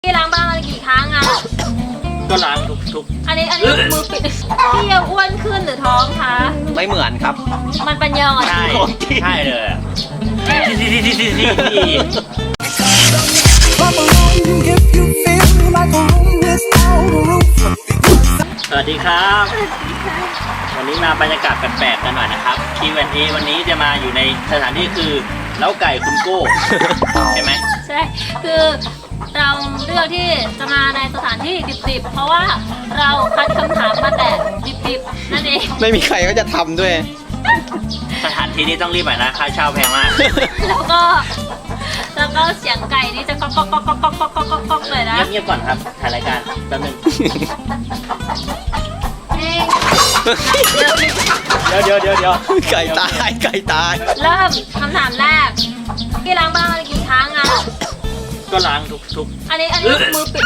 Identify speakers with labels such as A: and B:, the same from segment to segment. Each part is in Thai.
A: พี่ล้างบ้านมากี่ครั้งอะ
B: ก็ล้างทุก
A: อันนี้มือปิดพี่ยังอ้วนขึ้นหรือท้องคะ
C: ไม่เหมือนครับ
A: มันปัญญาอ่อน
B: ใช่ใช่เลยอะสวัสดีครับ วันนี้มาบรรยากาศแปลกๆกันหน่อยนะครับ Q&A วันนี้จะมาอยู่ในสถานที่คือเล้าไก่คุณโก้ใช่ไหม
A: ใช่คือเราเลือกที่จะมาในสถานที่ดิบๆเพราะว่าเราคัดคำถามมาแต่ดิบๆนั่นเอง
C: ไม่มีใครก็จะทำด้วย
B: สถานที่นี้ต้องรีบหน่อยนะค่าเช่าแพงมาก
A: แล้วก็เสียงไก่นี่จะก๊อกก๊อกก๊อกก๊อกก๊อกก๊อกก๊อกก๊อกก๊อกเลยนะ
B: เงียบๆก่อนครับถ่ายรายการแป๊บนึง
A: เอง
B: เดี๋ยว
C: ไก่ตายไก่ตาย
A: เริ่มคำถามแรกพี่ล้างบ้านมากี่ครั้งอะ
B: ก็ล้างทุก
A: อันนี้มือปิด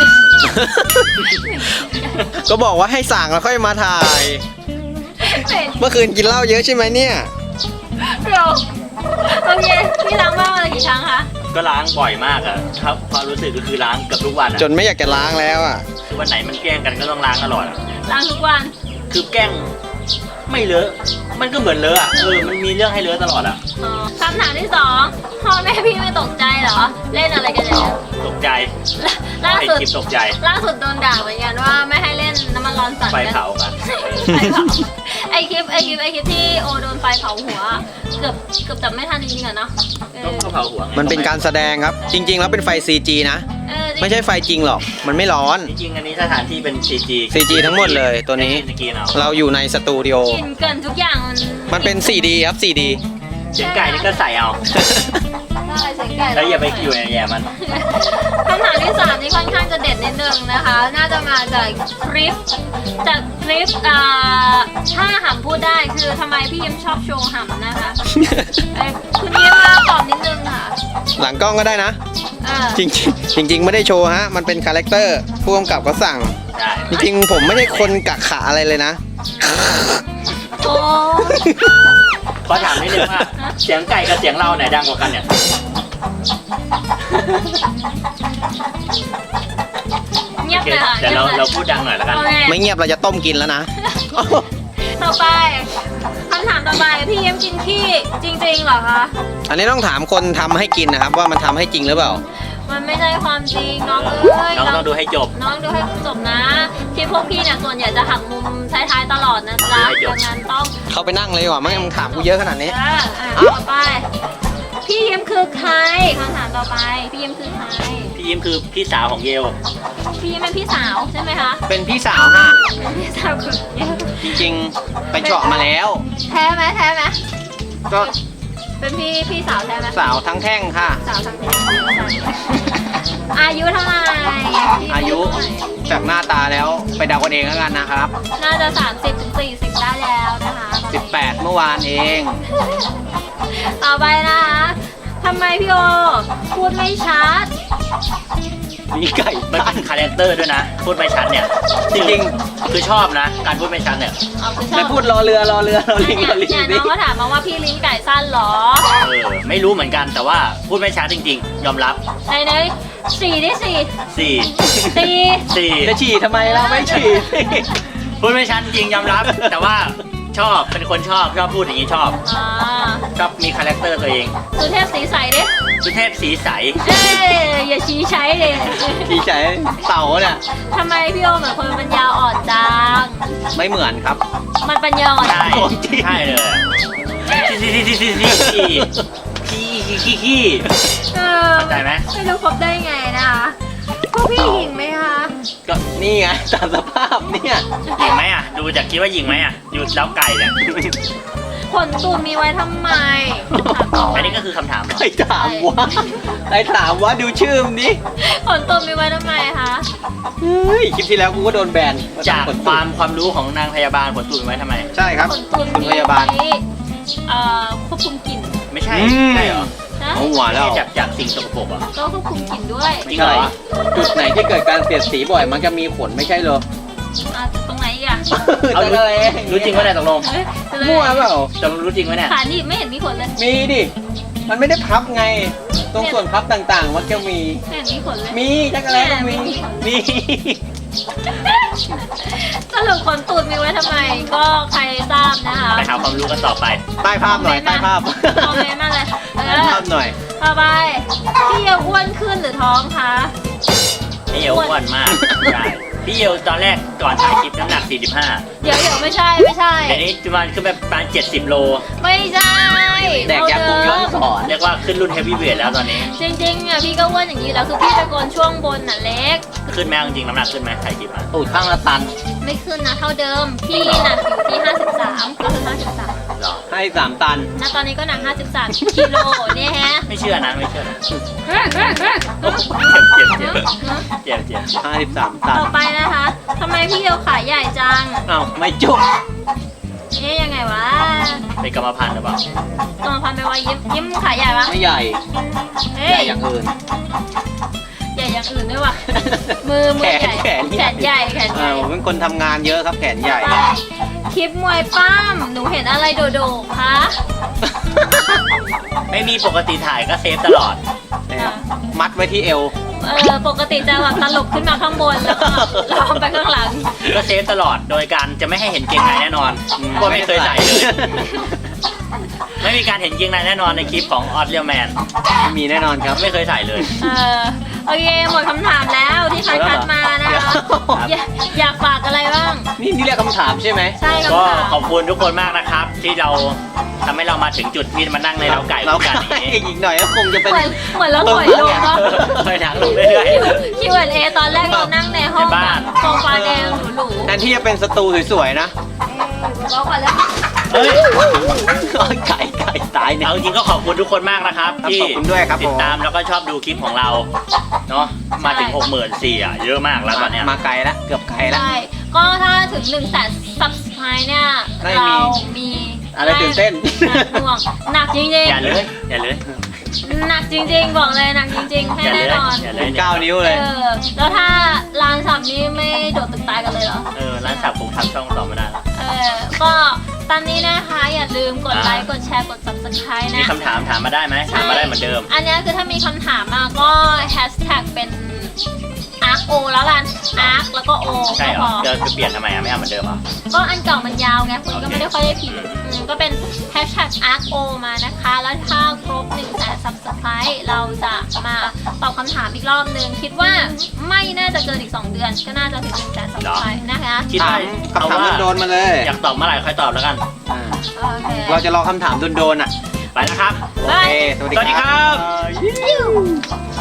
C: ก็บอกว่าให้สั่งแล้วค่อยมาถ่าย
A: เป็น
C: เมื่อคืนกินเหล้าเยอะใช่ไหมเนี่ย
A: เราโอเคพี่ล้างบ้านมากี่ครั้งคะ
B: ก็ล้างบ่อยมากอะครับความรู้สึกก็คือล้างเกือบทุกวันอะ
C: จนไม่อยากจะล้างแล้วอ่ะ
B: คือวันไหนมันแกล้งกันก็ต้องล้างตลอดอะ
A: ล้างทุกวัน
B: คือแกล้งไม่เลอะมันก็เหมือนเลอะอะมันมีเรื่องให้เลอะตลอดอะ
A: อ๋อคำถามที่สองพ่อแม่พี่ไม่ตกใจเหรอ เล่นอะไรกันเนี่ย
B: ตกใจ
A: ล่า
B: ให้
A: สุด
B: คลิปตกใจ
A: ล่าสุดโดนด่าเหมือนกันว่าไม่ให้เล่นน้ำมันร้อนสัตว์
B: ไฟ
A: กัน
B: เผากัน
A: ไฟเผาไอคลิปที่โอโดนไฟเผาหัวเกือบจับไม่ทันจริงๆอะเนาะเออ
B: ก็เผาหัวไง
C: มันเป็นการแสดงครับ จริง ๆ แล้วเป็นไฟ CG นะ
A: เออจริง
C: ไม่ใช่ไฟจริงหรอก มันไม่ร้อน
B: จริงๆอันนี้สถานที่เป็น CG
C: CG ทั้งหมดเลยตัวนี้
B: สกีนเอา
C: เราอยู่ในสตูดิโอ
A: กินเกินทุกอย่าง
C: มันเป็น 4D ครับ 4D
B: เสียงไก่นี่ก็ใส่เอา
A: ได้เสียงไก่
B: แล้วอย่าไปอยู่ในแย่มัน
A: คำถามที่สามนี่ค่อนข้างจะเด็ดนิดนึงนะคะ น่าจะมาจากคลิปถ้าหำพูดได้คือทำไมพี่ยิ้มชอบโชว์หำนะคะคุณยิ้มมาตอบนิดนึงค่ะ
C: หลังกล้องก็ได้นะ
A: เออ
C: จริงๆไม่ได้โชว์ฮะ มันเป็นคาแรคเตอร์ผู้กำกับก็สั่ง
B: ได้
C: จริงๆผมไม่ใช่คนกะขะอะไรเลยนะ
A: โอ้
B: ขอถามนิดนึงว่าเสียงไก่กับเสียงเราไหนดังกว่ากันเนี่ย
A: เงียบเลยค่ะ
B: แต่เราพูดดังหน่อยแล้วกัน
A: โอเค
C: ไม่เงียบเราจะต้มกินแล้วนะ
A: ต่อไปคำถามต่อไปพี่ยิ้มกินขี้จริงๆเหรอคะ
C: อันนี้ต้องถามคนทำให้กินนะครับ ว่ามันทำให้จริงหรือเปล่า
A: มันไม่ใช่ความจริงน้องเอ้ย
B: น้องต้องดูให้จบ
A: น้องดูให้จบนะที่พวกพี่เนี่ยส่วนใหญ่จะหักมุมท้ายๆตลอดนะจ๊ะ
B: ให้จ
A: ดั
B: บ
A: งนั้นต้อง
C: เข้าไปนั่งเลยดีกว่าไม่งั้นมึงถามกูเยอะขนาดนี้
A: ต่อไป พี่ยิ้มคือใครคำถามต่อไป พี่ยิ้มคือใคร
B: พี่ยิ้มคือพี่สาวของเยล
A: พี่ยิ้มเป็นพี่สาวใช่ไหมคะ
C: เป็นพี่สาวฮะ
A: พี่สาวคือเยอะ
C: จริงๆ ไปเจาะมาแล้ว
A: แท้ไหม
C: ก็
A: เป็นพี่สาวแท้ไหม
C: สาวทั้งแท่งค่ะ
A: สาวทั้งทีอายุเท่าไหร่พี่
C: อายุจากหน้าตาแล้วไปเดากันเองแล้วกันนะครับ
A: น่าจะ30-40ได้แล้วนะคะ
C: 18 เมื่อวานเอง
A: ต่อไปนะคะทำไมพี่โอพูดไม่ชัด
C: มีไก่
B: มันเป็นคาแรคเตอร์ด้วยนะ พูดไม่ชัดเนี่ย จริงๆคือชอบนะ การพูดไม่ชัดเนี่ย
A: เอาคือชอบ
C: ไม่พูดรอเรือรอลิงรอลิง
A: เนี่ยน้
C: ดิ
A: องก็ถามมาว่าพี่ลิ้นไก่สั้นเหรอ
B: ไม่รู้เหมือนกันแต่ว่าพูดไม่ชัดจริงๆ ยอมรับ
A: ไหนสี่ดิสี่
B: 4
C: จะฉี่ทำไมเราไม่ฉี่
B: พูดไม่ชัดจริงยอมรับ แต่ว่าชอบเป็นคนชอบพูดอย่างนี้ชอบ
A: อ่า
B: ชอบมีคาแรคเตอร์ตัวเอง
A: สุเทพสีใสดิ
B: สุเทพสีใส
A: เอ้ยอย่าชี้ใช้เลย
C: ฉี่ใช้เต่าเนี่ย
A: ทำไมพี่โอเหมือนคนปัญญาอ่อนจัง
C: ไม่เหมือนครับ
A: มันปัญญาอ่อน
B: ใช่ใช่เลยขี้
A: เออ
B: เข้าใจไหม
A: ไม่รู้ครบได้ไงนะคะพวกพี่หญิงไหมคะ
B: ก็
C: นี่ไงตามสภาพเนี่ย
B: หญิงไหมอ่ะดูจากคิดว่าหญิงไหมอ่ะอยู่แล้วไก่เนี่ย
A: ขนตูดมีไว้ทำไม
B: อันนี้ก็คือคำถามเหรอ
C: ใครถามวะใครถามวะดูชื่อมนดิ
A: ขนตูดมีไว้ทำไมคะ
C: เฮ้ยคลิปที่แล้วกูก็โดนแบน
B: จากความรู้ของนางพยาบาลผลตูดไว้ทำไม
C: ใช่ครับ
A: ขนตูด
C: คุณ
A: มี
C: พยาบาล
A: ไว้ควบคุมกลิ่น
B: ไม่ใช่
C: อืม
B: ใช่เหรอ
A: นะ
C: เอาหัวแล้ว
B: จากสิ่งสกปรกอ่ะ
A: ก็ควบคุมกลิ่นด้วย
B: จริงเหรอ
C: จุดไหนที่เกิดการเสียดสีบ่อยมันจะมีขนไม่ใช่เหรอ
A: ตรงไหนอีกอ่ะ
B: เอารู้จริงว่าเนี่ยตกลง
A: เฮ้ย
C: มั่วเปล่า
B: ตกลงรู้จริงไหมเนี่ย
A: ขาหนีบไม่เห็นมีขนเลย
C: มีดิมันไม่ได้พับไง ตรงส่วนพับต่างๆ มันจะมี
A: เห็นมีขนเลย
C: มีจักรแล้ก็มี
B: มี
A: สรุปขนตูดมีไว้ทำไม ก็ใครทราบนะคะ
B: ไปหาความรู้กันต่อไป
C: ใต้ภาพหน่อย ใต้ภาพ
A: คอมเมนต์มาเลย
C: ใต้ภาพหน่อย
A: ต่อไปพี่เยาอ้วนขึ้นหรือท้องคะ
B: พี่เอวอ้วนมากใช่พี่เอวตอนแรกก่อนถ่ายคลิปน้ำหนัก 45
A: เดี๋ยวไม่ใช่
B: เดี๋ยวนี้ประมาณขึ้นไปประมาณ70 โล
A: ไม่ใช่
C: แดกยาคุมย้อนสอน
B: เรียกว่าขึ้นรุ่นเฮฟวี่เวทแล้วตอนนี้
A: จริงๆอ่ะพี่ก็อ้วนอย่างนี้แล้วคือพี่ตะโกนช่วงบนน่ะเล็ก
B: ขึ้นไหมจริงๆน้ำหนักขึ้นไหมถ่ายคลิปมา
C: ตูดข้างละตัน
A: ไม่ขึ้นนะเท่าเดิม พี่หนักอยู่ที่ 53 ก็คือ 53
B: หรอ
C: ให้3 ตัน
A: ณตอนนี้ก็หนัก 53 กิโลเนี่ยฮะ
B: ไม่เชื่อนะไม่เชื่อนะ
A: เฮ้ย
B: เจ็บ
C: 53 ตัน
A: ต่อไปนะคะ ทำไมพี่เยาขาใหญ่จัง
C: เอ้าไม่จบ
A: เอ๊ยยังไงวะ
B: เป็นกรรมพันธุ์หรือเปล่า
A: กรรมพันธุ์ไปว่ายิ้มขาใหญ่ปะ
C: ไม่ใหญ่
A: เอ้
C: ใหญ่
A: ย
C: อย่างอื่น
A: ใหญ่อย่างอื่นด้วยว่ะ มือใหญ่
C: แขน
A: แขนใหญ่แขนใหญ่
C: ผมเป็นคนทำงานเยอะครับแขนใหญ่
A: ไปคลิปมวยป้าม หนูเห็นอะไรโดดๆคะ
B: ไม่มีปกติถ่ายก็เซฟตลอด
C: มัดไว้ที่เอว
A: ปกติจะแบบตลบขึ้นมาข้างบนแล้วก็ล้อมไปข้างหลัง
B: ก็เซฟตลอดโดยการจะไม่ให้เห็นเกงในแน่นอนก็ไม่เคยใส่เลย ไม่มีการเห็นเกงในแน่นอนในคลิปของออสเรียลแมน
C: ไม่มีแน่นอนครับ
B: ไม่เคยใส่เลย
A: โอเคหมดคำถามแล้วที่คัดมานะคะอยากฝากอะไรบ้าง
C: นี่เรียกคำถามใช่ไหม
A: ใช่
B: ก็
A: คำถาม
B: ขอบคุณทุกคนมากนะครับ ที่เราทำให้เรามาถึงจุดที่มานั่งในเล้าไก่
C: เรา
B: ด้วยกันอย่างนี้
C: อีกหน่อยก็คงจะเป็น
A: เหมือนเราถอยลงวะ
B: ไปทางลงเรื่อย
A: Q&A ตอนแรกเรานั่งในห้อง
B: ในบ้าน
A: โซฟาแดงหรู
C: แทนที่จะเป็นสตูสวยๆนะ
A: ๆก็พอแล้ว
B: ๆเฮ้ย
C: ไก่ตายเนี่ย
B: เอาจริงก็ขอบคุณทุกคนมากนะครับ
C: ครับ
B: ที่
C: ขอบคุณด้วยครับ
B: ติดตามแล้วก็ชอบดูคลิปของเราเนาะมาถึง 64,000อ่ะเยอะมากแล้วตอนเนี้ย
C: มาไกลแล้วเกือบไกลแล้ว
A: ใช่ก็ถ้าถึง100,000 subscribe เนี่ย
C: ได้มี
A: เรามี
C: อะไรตื่นเต้น
A: หนักจริง
B: อย่าเลยอย่าเลย
A: ๆหนักจริงๆบอกเลยหนักจริงๆให้
B: อย่าเล
A: แน่
B: ย
A: นอน
B: อย่าเล
C: เป็
B: ย
C: น9 นิ้วเลย
A: แล้วถ้าลานสับนี้ไม่โดดตึกตายกันเลยเหรอ
B: ร้านสับผมทำช่องต่อไม่ได้แล้ว
A: ก็ตามนี้นะคะอย่าลืมกดไลค์กดแชร์กด subscribe
B: มี
A: นะ
B: คำถามถามมาได้ไหมถามมาได้เหมือนเดิม
A: อันเนี้ยคือถ้ามีคำถามมาก็แฮชแท็กเป็น arc o แล้วกัน arc แล้วก็ o
B: ใช่
A: ก็
B: เหร
A: พ
B: อ
A: อ
B: จะเปลี่ยนทำไมอ่ะไม่เอาเหมือนเดิมเหรอ
A: ก็อันเก่ามันยาวไงคุณก็ไม่ได้ค่อยได้พิมพ์ก็เป็นแฮชแท็ก arc o มานะคะ แล้วถ้าครบ100,000 subscribe เราจะมาตอบคำถามอีกรอบนึง คิดว่าไม่น่าจะเกินอีก 2 เดือน ก็น่าจะถึง100,000 subscribe นะคะ
B: คิด
C: ถา
B: ว่าม
C: คำถามโดนๆมาเลย
B: อยากตอบเมื่อไหร่ค่อยตอบแล้วกัน
A: โอเค
C: เราจะรอคำถามโดนๆอ่ะ
B: ไปนะครับ
C: โอเค สวัส
B: สวัสดี
C: ดี
B: ค
C: ค
B: รั
C: รับ บ